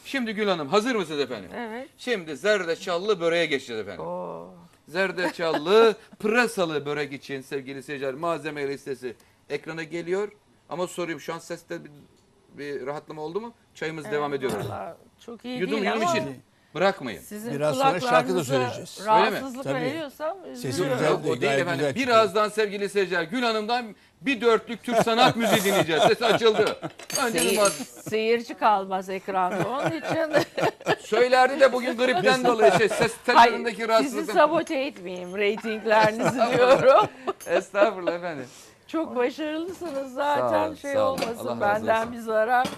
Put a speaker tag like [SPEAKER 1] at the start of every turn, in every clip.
[SPEAKER 1] Şimdi Gül Hanım hazır mısınız efendim?
[SPEAKER 2] Evet.
[SPEAKER 1] Şimdi zerdeçallı böreğe geçeceğiz efendim.
[SPEAKER 2] Oo.
[SPEAKER 1] Zerdeçallı pırasalı börek için sevgili seyirciler malzeme listesi ekrana geliyor. Ama sorayım şu an seste bir rahatlama oldu mu? Çayımız devam ediyor.
[SPEAKER 2] Vallahi çok iyi
[SPEAKER 1] Yudum
[SPEAKER 2] değil
[SPEAKER 1] yudum
[SPEAKER 2] ama
[SPEAKER 1] için bırakmayın.
[SPEAKER 2] sizin
[SPEAKER 3] Biraz sonra şarkı da
[SPEAKER 2] kulaklarınıza
[SPEAKER 3] söyleyeceğiz.
[SPEAKER 2] rahatsızlık
[SPEAKER 3] Tabii.
[SPEAKER 2] veriyorsam
[SPEAKER 3] Sesi
[SPEAKER 2] üzülüyorum.
[SPEAKER 3] güzel.
[SPEAKER 1] Yok, o değil
[SPEAKER 3] Gayet
[SPEAKER 1] efendim.
[SPEAKER 3] güzel
[SPEAKER 1] Birazdan sevgili seyirciler Gül Hanım'dan bir dörtlük Türk sanat müziği dinleyeceğiz. Ses açıldı. Önce
[SPEAKER 2] Seyirci kalmaz ekranda onun için.
[SPEAKER 1] söylerdi de bugün gripten dolayı ses tellerindeki
[SPEAKER 2] Sizi
[SPEAKER 1] rahatsızlıktan.
[SPEAKER 2] sabote etmeyeyim reytinglerinizi diyorum.
[SPEAKER 1] Estağfurullah efendim.
[SPEAKER 2] Çok başarılısınız
[SPEAKER 1] Sağ
[SPEAKER 2] zaten
[SPEAKER 1] olun,
[SPEAKER 2] şey
[SPEAKER 1] sağ olun. Allah
[SPEAKER 2] olmasın
[SPEAKER 1] razı
[SPEAKER 2] benden
[SPEAKER 1] olsun.
[SPEAKER 2] bir zarar.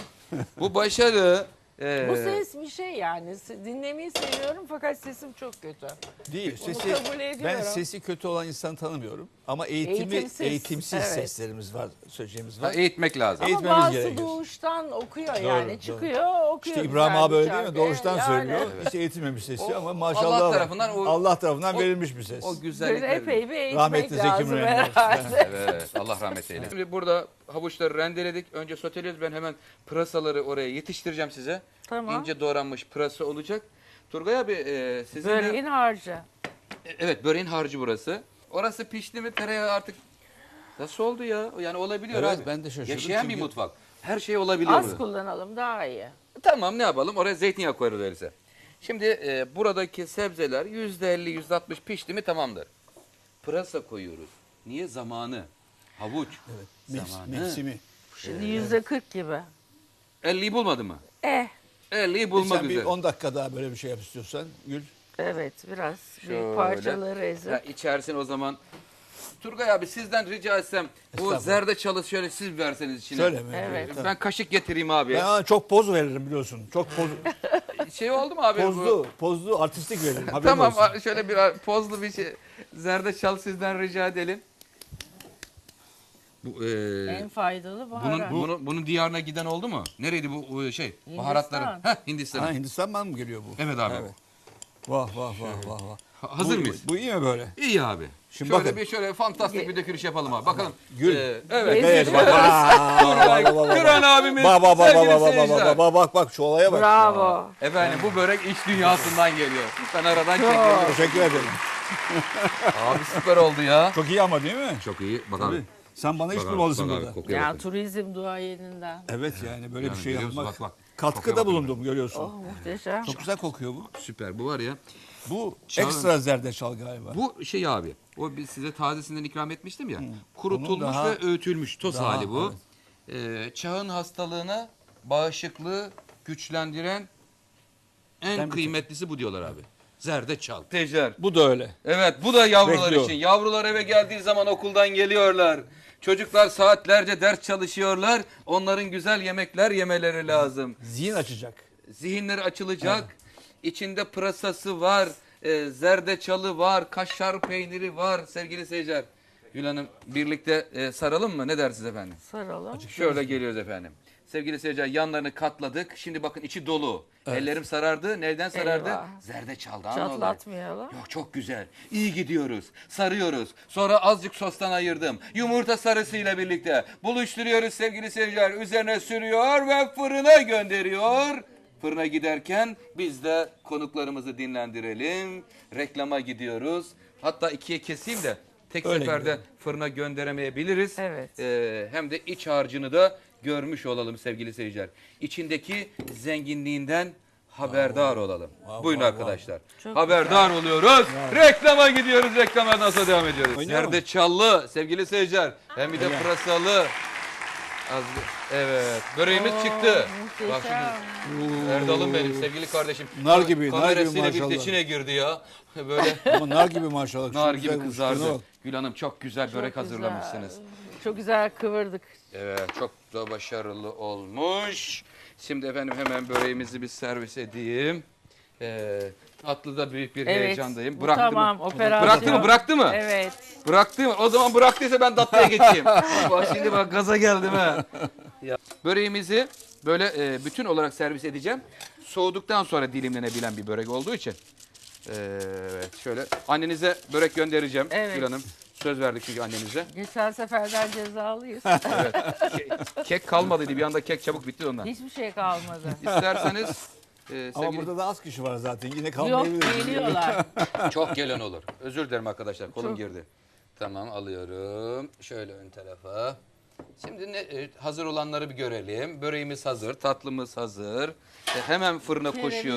[SPEAKER 1] Bu başarı
[SPEAKER 2] Bu ses bir şey yani. Dinlemeyi seviyorum fakat sesim çok kötü.
[SPEAKER 3] Değil.
[SPEAKER 2] Onu
[SPEAKER 3] Sesi,
[SPEAKER 2] kabul ediyorum.
[SPEAKER 3] ben sesi kötü olan insanı tanımıyorum. Ama eğitimsiz
[SPEAKER 2] Evet.
[SPEAKER 3] seslerimiz var, söyleyeceğimiz var.
[SPEAKER 1] eğitmek lazım.
[SPEAKER 2] Ama
[SPEAKER 3] Eğitmemiz
[SPEAKER 2] bazısı
[SPEAKER 3] gerekiyor.
[SPEAKER 2] doğuştan okuyor
[SPEAKER 3] Doğru,
[SPEAKER 2] yani.
[SPEAKER 3] doğru.
[SPEAKER 2] Çıkıyor okuyor.
[SPEAKER 3] İşte
[SPEAKER 2] güzel
[SPEAKER 3] İbrahim
[SPEAKER 2] bir
[SPEAKER 3] abi öyle değil
[SPEAKER 2] şarkı.
[SPEAKER 3] mi? Doğuştan
[SPEAKER 2] Yani
[SPEAKER 3] söylüyor. Hiç eğitilmemiş sesi
[SPEAKER 1] O
[SPEAKER 3] ama maşallah
[SPEAKER 1] Allah
[SPEAKER 3] var.
[SPEAKER 1] tarafından
[SPEAKER 3] Allah tarafından
[SPEAKER 1] o-
[SPEAKER 3] verilmiş bir ses.
[SPEAKER 1] O
[SPEAKER 2] Böyle
[SPEAKER 1] güzellikleri.
[SPEAKER 2] epey bir eğitmek
[SPEAKER 3] Rahmetli Zeki
[SPEAKER 2] lazım
[SPEAKER 3] Müren
[SPEAKER 2] herhalde.
[SPEAKER 1] Evet, Allah rahmet eylesin. Şimdi burada havuçları rendeledik. Önce soteliyoruz. Ben hemen pırasaları oraya yetiştireceğim size.
[SPEAKER 2] Tamam.
[SPEAKER 1] İnce doğranmış pırasa olacak. Turgay abi sizin de...
[SPEAKER 2] Böreğin harcı.
[SPEAKER 1] Evet, böreğin harcı burası. Orası pişti mi tereyağı artık nasıl oldu ya? Yani olabiliyor
[SPEAKER 3] Evet,
[SPEAKER 1] abi.
[SPEAKER 3] ben de şaşırdım
[SPEAKER 1] Yaşayan bir
[SPEAKER 3] çünkü-
[SPEAKER 1] mutfak. Her şey olabiliyor.
[SPEAKER 2] Az
[SPEAKER 1] burada.
[SPEAKER 2] kullanalım daha iyi.
[SPEAKER 1] Tamam ne yapalım? Oraya zeytinyağı koyarız öyleyse. Şimdi buradaki sebzeler %50, %60 pişti mi tamamdır. Pırasa koyuyoruz. Niye? Zamanı. Havuç. Zamanı.
[SPEAKER 3] Mevsimi.
[SPEAKER 2] Şimdi %40 gibi.
[SPEAKER 1] 50'yi bulmadı mı? 50'yi bulmak
[SPEAKER 3] Sen bir
[SPEAKER 1] üzere.
[SPEAKER 3] 10 dakika daha böyle bir şey yap istiyorsan Gül.
[SPEAKER 2] Evet biraz
[SPEAKER 1] Şöyle.
[SPEAKER 2] büyük parçaları ezip.
[SPEAKER 1] Ya içersin o zaman. Turgay abi sizden rica etsem bu
[SPEAKER 3] Estağfurullah.
[SPEAKER 1] zerdeçalı şöyle siz verseniz içine.
[SPEAKER 3] Söyle mi?
[SPEAKER 2] Evet.
[SPEAKER 1] Ben kaşık getireyim abi.
[SPEAKER 3] Ben ona çok poz veririm biliyorsun. Çok
[SPEAKER 1] Şey oldu mu abi?
[SPEAKER 3] pozlu artistik veririm. Haberin
[SPEAKER 1] Tamam
[SPEAKER 3] olsun.
[SPEAKER 1] şöyle bir pozlu bir şey. Zerdeçal sizden rica edelim. Bu,
[SPEAKER 2] En faydalı baharat.
[SPEAKER 1] bunun diyarına giden oldu mu? Nereydi bu şey? Baharatların. Heh, Hindistan.
[SPEAKER 3] Ha, Hindistan'dan mı geliyor bu?
[SPEAKER 1] Evet abi.
[SPEAKER 3] Evet. Vah vah vah vah vah.
[SPEAKER 1] Hazır mıyız?
[SPEAKER 3] Bu iyi mi böyle?
[SPEAKER 1] İyi abi.
[SPEAKER 3] Şimdi
[SPEAKER 1] Şöyle
[SPEAKER 3] bakın.
[SPEAKER 1] bir şöyle fantastik bir dökülüş yapalım abi. Bakalım.
[SPEAKER 3] Gül.
[SPEAKER 1] Evet.
[SPEAKER 3] Evet bak.
[SPEAKER 1] Turan abimiz sevgili seyirciler.
[SPEAKER 3] Bak şu olaya bak.
[SPEAKER 2] Bravo.
[SPEAKER 1] Efendim bu börek iç dünyasından geliyor. Ben aradan çekiyorum.
[SPEAKER 3] Teşekkür ederim.
[SPEAKER 1] Abi süper oldu ya.
[SPEAKER 3] Çok iyi ama değil mi?
[SPEAKER 1] Çok iyi. Bakalım.
[SPEAKER 3] Tabii. Sen bana iş bulmalısın burada.
[SPEAKER 1] Kokuya
[SPEAKER 2] Ya
[SPEAKER 1] bakın.
[SPEAKER 2] turizm duayeninden.
[SPEAKER 3] Evet yani böyle
[SPEAKER 1] Yani
[SPEAKER 3] bir şey
[SPEAKER 1] görüyorsun,
[SPEAKER 3] yapmak.
[SPEAKER 1] bak.
[SPEAKER 3] Katkıda
[SPEAKER 1] Kokuya bakın.
[SPEAKER 3] bulundum görüyorsun.
[SPEAKER 2] Oh muhteşem.
[SPEAKER 3] Çok güzel kokuyor bu.
[SPEAKER 1] Süper bu var ya.
[SPEAKER 3] Bu
[SPEAKER 1] Çağın-
[SPEAKER 3] ekstra zerdeçal galiba.
[SPEAKER 1] Bu şey abi. O size tazesinden ikram etmiştim ya.
[SPEAKER 3] Onun
[SPEAKER 1] Kurutulmuş
[SPEAKER 3] daha-
[SPEAKER 1] ve öğütülmüş toz
[SPEAKER 3] daha,
[SPEAKER 1] hali bu. Çağın hastalığına bağışıklığı güçlendiren en
[SPEAKER 3] Ben
[SPEAKER 1] kıymetlisi bu diyorlar abi. Zerdeçal. Tecer.
[SPEAKER 3] Bu da öyle.
[SPEAKER 1] Evet bu da yavrular
[SPEAKER 3] Bekliyor.
[SPEAKER 1] için. Yavrular eve geldiği zaman okuldan geliyorlar. Çocuklar saatlerce ders çalışıyorlar. Onların güzel yemekler yemeleri lazım.
[SPEAKER 3] Zihin açacak.
[SPEAKER 1] Zihinleri açılacak. İçinde pırasası var, zerdeçalı var, kaşar peyniri var sevgili seyirciler. Gül Hanım birlikte saralım mı? Ne dersiniz efendim?
[SPEAKER 2] Saralım.
[SPEAKER 1] Şöyle geliyoruz efendim. Sevgili seyirciler yanlarını katladık. Şimdi bakın içi dolu. Ellerim sarardı. Neyden sarardı?
[SPEAKER 2] Eyvah.
[SPEAKER 1] Zerdeçaldan dolayı.
[SPEAKER 2] Çatlatmayalım.
[SPEAKER 1] Yok çok güzel. İyi gidiyoruz. Sarıyoruz. Sonra azıcık sostan ayırdım. Yumurta sarısıyla birlikte buluşturuyoruz sevgili seyirciler. Üzerine sürüyor ve fırına gönderiyor. Fırına giderken biz de konuklarımızı dinlendirelim. Reklama gidiyoruz. Hatta ikiye keseyim de tek
[SPEAKER 3] Öyle
[SPEAKER 1] seferde
[SPEAKER 3] gidelim.
[SPEAKER 1] fırına gönderemeyebiliriz.
[SPEAKER 2] Evet.
[SPEAKER 1] Hem de iç harcını da görmüş olalım sevgili seyirciler. İçindeki zenginliğinden haberdar olalım. Buyurun arkadaşlar.
[SPEAKER 2] Çok
[SPEAKER 1] Haberdar oluyoruz. Reklama gidiyoruz. Reklamlardan sonra devam ediyoruz.
[SPEAKER 3] Oynuyor mu?
[SPEAKER 1] Zerdeçallı sevgili seyirciler. Hem bir de pırasalı. Evet. Böreğimiz çıktı. Bak şimdi. Erdal'ım benim sevgili kardeşim.
[SPEAKER 3] Nar gibi, nar gibi
[SPEAKER 1] Kamerasıyla birlikte
[SPEAKER 3] maşallah.
[SPEAKER 1] içine girdi ya. Böyle
[SPEAKER 3] Ama nar gibi maşallah.
[SPEAKER 1] nar
[SPEAKER 3] Şu
[SPEAKER 1] gibi
[SPEAKER 3] güzel
[SPEAKER 1] kızardı.
[SPEAKER 3] uçlarına bak.
[SPEAKER 1] Gül Hanım çok güzel börek
[SPEAKER 2] Çok
[SPEAKER 1] hazırlamışsınız.
[SPEAKER 2] güzel. Çok güzel kıvırdık.
[SPEAKER 1] Evet çok da başarılı olmuş. Şimdi efendim hemen böreğimizi bir servis edeyim. Tatlıda büyük bir
[SPEAKER 2] Evet.
[SPEAKER 1] heyecandayım.
[SPEAKER 2] Bu
[SPEAKER 1] Bıraktı
[SPEAKER 2] tamam,
[SPEAKER 1] mı?
[SPEAKER 2] operasyon.
[SPEAKER 1] Bıraktı mı? Bıraktı mı?
[SPEAKER 2] Evet.
[SPEAKER 1] Bıraktı mı? O zaman bıraktıysa ben tatlıya geçeyim. Bak şimdi bak gaza geldim ha. Ya. Böreğimizi böyle bütün olarak servis edeceğim. Soğuduktan sonra dilimlenebilen bir börek olduğu için. Evet şöyle annenize börek göndereceğim
[SPEAKER 2] Evet.
[SPEAKER 1] Gül Hanım. Söz verdik çünkü annemize.
[SPEAKER 2] Geçen seferden cezalıyız.
[SPEAKER 1] Evet. Kek kalmadıydı. Bir anda kek çabuk bitti ondan.
[SPEAKER 2] Hiçbir şey kalmadı.
[SPEAKER 1] İsterseniz
[SPEAKER 3] Ama
[SPEAKER 1] sevgili...
[SPEAKER 3] burada da az kişi var zaten. Yine
[SPEAKER 2] Yok
[SPEAKER 3] kalmayabilir.
[SPEAKER 2] geliyorlar.
[SPEAKER 1] Çok gelen olur. Özür dilerim arkadaşlar. Kolum
[SPEAKER 2] Çok.
[SPEAKER 1] girdi. Tamam alıyorum. Şöyle ön tarafa. Şimdi hazır olanları bir görelim. Böreğimiz hazır. Tatlımız hazır. Hemen fırına
[SPEAKER 2] Kereviz
[SPEAKER 1] koşuyor.